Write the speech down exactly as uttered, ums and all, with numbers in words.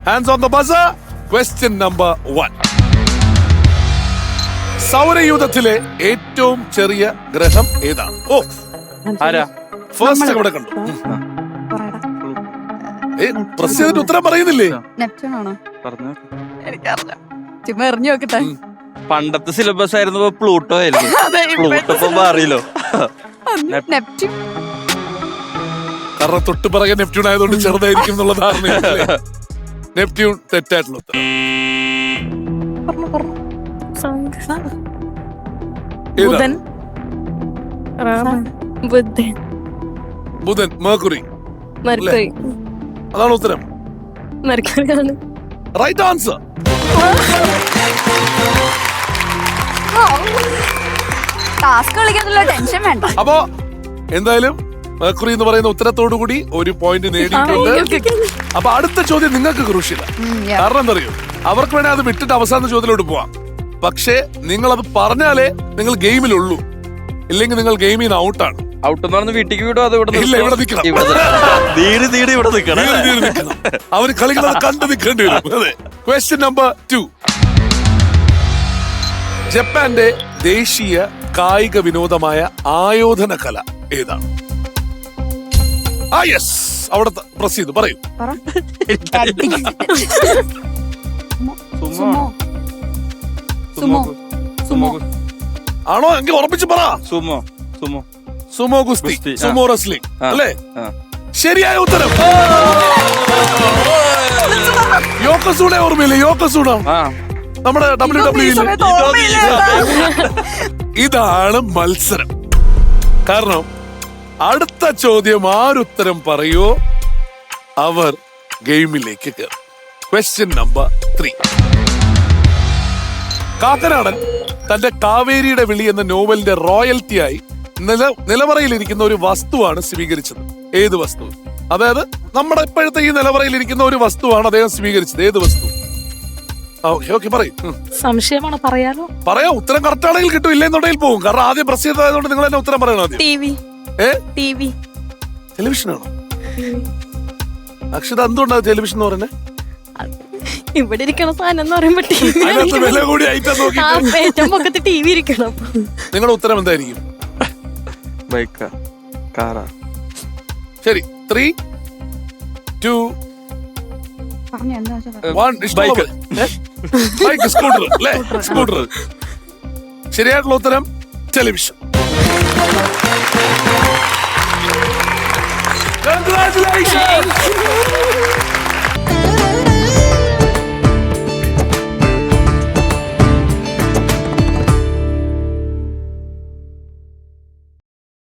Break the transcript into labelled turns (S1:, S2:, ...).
S1: Hands on the buzzer. Question number one. സൗരയൂഥത്തിലെ ഏറ്റവും ചെറിയ ഗ്രഹം ഏതാണ്? ഓ
S2: ആരാ
S1: ഫസ്റ്റ് ഇവിടെ കണ്ടു. ഏ പ്രസ് ചെയ്തിട്ട് ഉത്തരം പറയുന്നില്ലേ?
S3: നെപ്റ്റ്യൂൺ ആണോ?
S2: പറഞ്ഞു.
S3: എനിക്കറിയില്ല, ചുമ്മാ എറിഞ്ഞു നോക്കട്ടെ.
S2: പണ്ടത്തെ സിലബസ് ആയിരുന്നു പ്ലൂട്ടോ ആയിരുന്നു. പ്ലൂട്ടോ ഇപ്പൊ മാറിയല്ലോ.
S3: നെപ്റ്റ്യൂൺ.
S1: കാരണം തൊട്ട് പറയാൻ നെപ്റ്റ്യൂൺ ആയതുകൊണ്ട് ചെറുതായിരിക്കും എന്നുള്ള ധാരണയല്ലേ? നെപ്റ്റ്യൂൺ തെറ്റായിട്ടുള്ള ഉത്തരം.
S4: ബുധൻ ബുധൻ
S1: ബുധൻ, മേർക്കുറി.
S4: മെർക്കുറി.
S1: അതാണ് ഉത്തരം.
S4: മെർക്കുറിയാണ്.
S1: Right answer.
S3: ടാസ്ക് കളിക്കാനുള്ള ടെൻഷൻ വേണ്ട.
S1: അപ്പോ എന്തായാലും മേർക്കുറി എന്ന് പറയുന്ന ഉത്തരത്തോടു കൂടി ഒരു പോയിന്റ് നേടിയിട്ടുണ്ട്. അപ്പൊ അടുത്ത ചോദ്യം നിങ്ങൾക്ക് ക്രൂഷ്യല. കാരണം എന്താ അറിയോ, അവർക്ക് വേണേ അത് വിട്ടിട്ട് അവസാന ചോദ്യത്തിലോട്ട് പോവാം. പക്ഷേ നിങ്ങൾ അത് പറഞ്ഞാലേ നിങ്ങൾ ഗെയിമിലുള്ളൂ, ഇല്ലെങ്കിൽ നിങ്ങൾ ഗെയിമിൽ നിന്ന് ഔട്ടാണ്.
S2: ഔട്ട് എന്ന് പറഞ്ഞ് വീട്ടിലേക്ക് വിടും. അത് ഇവിടെ
S1: ഇല്ല, ഇവിടെ നിൽക്കണം.
S2: തീരെ തീരെ ഇവിടെ നിൽക്കണം.
S1: അവർ കളിക്കുന്നത് കണ്ടു നിൽക്കേണ്ടി വരും. അതെ. Question number two. ജപ്പാന്റെ ദേശീയ കായിക വിനോദമായ ആയോധന കല ഏതാണ്? ആ യെസ്, അവിടെ പ്രസ് ചെയ്തു പറയൂ.
S3: സുമോ. സുമോ. സുമോ
S1: ആണോ? എങ്കിൽ ഉറപ്പിച്ച് പറ.
S2: സുമോ. സുമോ.
S1: സുമോ ഗുസ്തി,
S2: ഗുസ്തി, ആ.
S1: സുമോ റെസ്ലിംഗ്
S2: ആ,
S1: അല്ലേ?
S2: ആ.
S1: ശരിയായ ഉത്തരം. യോക്കസൂണെ ഓർമ്മയില്ലേ? യോക്കസൂണ
S2: ആ
S1: നമ്മുടെ ഡബ്ല്യു ഡബ്ല്യു
S3: സമയത്ത് ഓർമ്മയില്ല.
S1: ഇതാണ് മത്സരം. കാരണം അടുത്ത ചോദ്യം ആരുത്തരം പറയോ അവർ ഗെയിമിലേക്ക് കയറും. Question number three. കാക്കനാടൻ തന്റെ കാവേരിയുടെ വിളി എന്ന നോവലിന്റെ റോയൽറ്റിയായി നില നിലവറയിലിരിക്കുന്ന ഒരു വസ്തുവാണ് സ്വീകരിച്ചത്. ഏത് വസ്തു? അതായത് നമ്മുടെ ഇപ്പോഴത്തെ ഈ നിലവറയിലിരിക്കുന്ന ഒരു വസ്തുവാണ് അദ്ദേഹം സ്വീകരിച്ചത്. ഏത് വസ്തു? ഓക്കെ ഓക്കെ പറയും.
S4: സംശയമാണ്, പറയാലോ?
S1: പറയാം. ഉത്തരം കറക്റ്റ് ആണെങ്കിൽ കിട്ടും, ഇല്ലെന്നുണ്ടെങ്കിൽ പോകും. കാരണം ആദ്യം പ്രസ് ചെയ്തതായതുകൊണ്ട് നിങ്ങൾ തന്നെ ഉത്തരം പറയണം ആദ്യം.
S4: T V.
S1: ഏ
S4: ടി വി.
S1: ടെലിവിഷനാണോ? അക്ഷത എന്തുകൊണ്ടാണ് ടെലിവിഷൻ എന്ന് പറയുന്നത്?
S4: ഇവിടെ ഇരിക്കണ സാധനം എന്ന് പറയുമ്പോ ടി വി.
S1: അതിനകത്ത് വില കൂടി ഐറ്റം നോക്കി.
S4: ഏറ്റവും പൊക്കത്ത് ടി വി ഇരിക്കണം.
S1: നിങ്ങളുടെ ഉത്തരം എന്തായിരിക്കും?
S2: ബൈക്കാ കാറാ?
S1: ശരി, ത്രീ ടു
S3: പറഞ്ഞു എന്താ വെച്ചാ പറ.
S1: വൺ.
S2: ബൈക്ക്.
S1: ബൈക്ക്, സ്കൂട്ടർ അല്ലേ? സ്കൂട്ടർ. ശരിയായിട്ടുള്ള ഉത്തരം ടെലിവിഷൻ. Congratulations!